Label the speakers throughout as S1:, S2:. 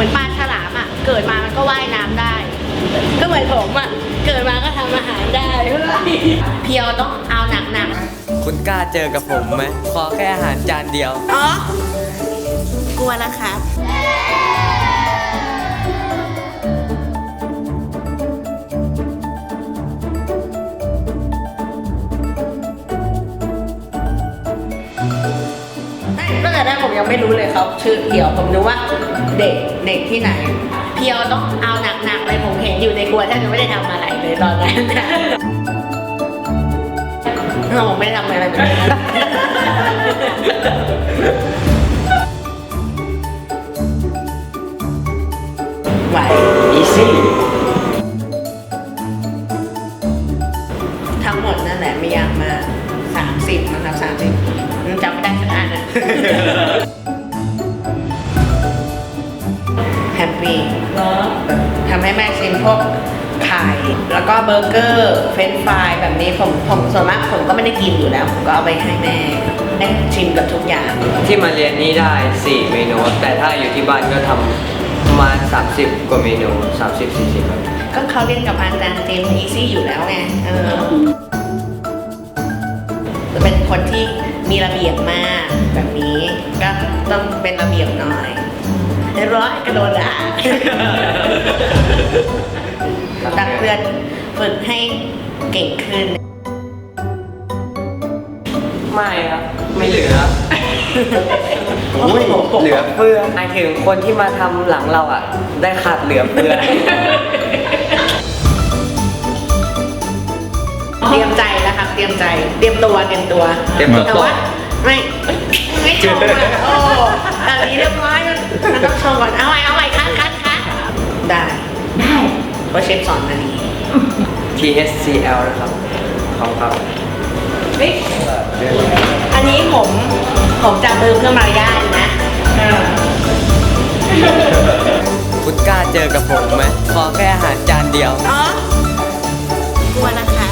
S1: มือนปลาฉลามอ่ะเกิดมามันก็ว่ายน้ำได้ ก็เหมือนผมอ่ะเกิดมาก็ทำอาหารได้เพียวต้องเอาหนัก
S2: คุณกล้าเจอกับผมไหมขอแค่อาหารจานเดียว
S1: ๆอ๋อกลัวแล้วครับตั้งแต่แรกผมยังไม่รู้เลยเขาชื่อเพียวผมนึกว่าเด็กที่ไหน เพียวต้องเอาหนักๆเลยผมเห็นอยู่ในครัวแทบจะไม่ได้ทำอะไรเลยตอนนั้นผมไม่ได้ทำอะไรเลยไหว
S2: easy
S1: ทั้งหมดนั่นแหละไม่ยากมาก30นะครับ30จำไม่ได้สักอันนะแฮปปี้ทำให้แม่ชิมพวกไข่แล้วก็เบอร์เกอร์เฟรนช์ฟรายแบบนี้ผมส่วนมากผมก็ไม่ได้กินอยู่แล้วผมก็เอาไปให้แม่ได้ชิมกับทุกอย่าง
S2: ที่มาเรียนนี้ได้ 4 เมนู แต่ถ้าอยู่ที่บ้านก็ทำประมาณ 30 กว่าเมนู 30-40 ครับ
S1: ก็เขาเรียนกับอาจารย์เจมส์อีซี่อยู่แล้วไงเป็นคนที่มีระเบียบมากแบบนี้ก็ต้องเป็นระเบียบหน่อยเรียบร้อยกระโดดด่าตักเพื่อนฝึกให้เก่งขึ้น
S2: ไม่ครับ ไม่เหลืออุ้ยเหลือเฟือหมายถึงคนที่มาทำหลังเราอ่ะ ได้ขาดเหลือเฟือ
S1: เตรียมใจนะครับเตรียมใจเตรียมตัว แต่ว่าไม่ชมอ่ะโอ้แบบนี้เรียบร้อยมันต้องชมก่อนเอาใหม่คัดได้เพราะเชฟสอนมาดี
S2: TSCL นะครับของครับ
S1: อันนี้ผมจะเติมเพื่อมารยาทนะ
S2: คุณกล้าเจอกับผมไหมขอแค่อาหารจานเดียว
S1: อ๋อกลัวนะคะ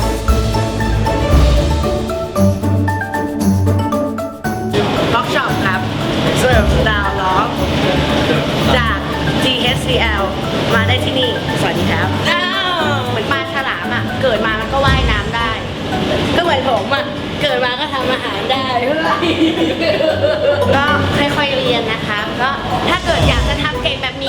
S1: ล็อกช็อปครับเสิร์ฟดาวล็อกจาก GSCL มาได้ที่นี่สวัสดีครับเหมือนปลาฉลามอ่ะเกิดมามันก็ว่ายน้ำได้ ก็เหมือนผมอ่ะเกิดมาก็ทำอาหารได้ก็ค่อยๆเรียนนะคะก็ถ้าเกิดอยากจะทำเก่งแบบ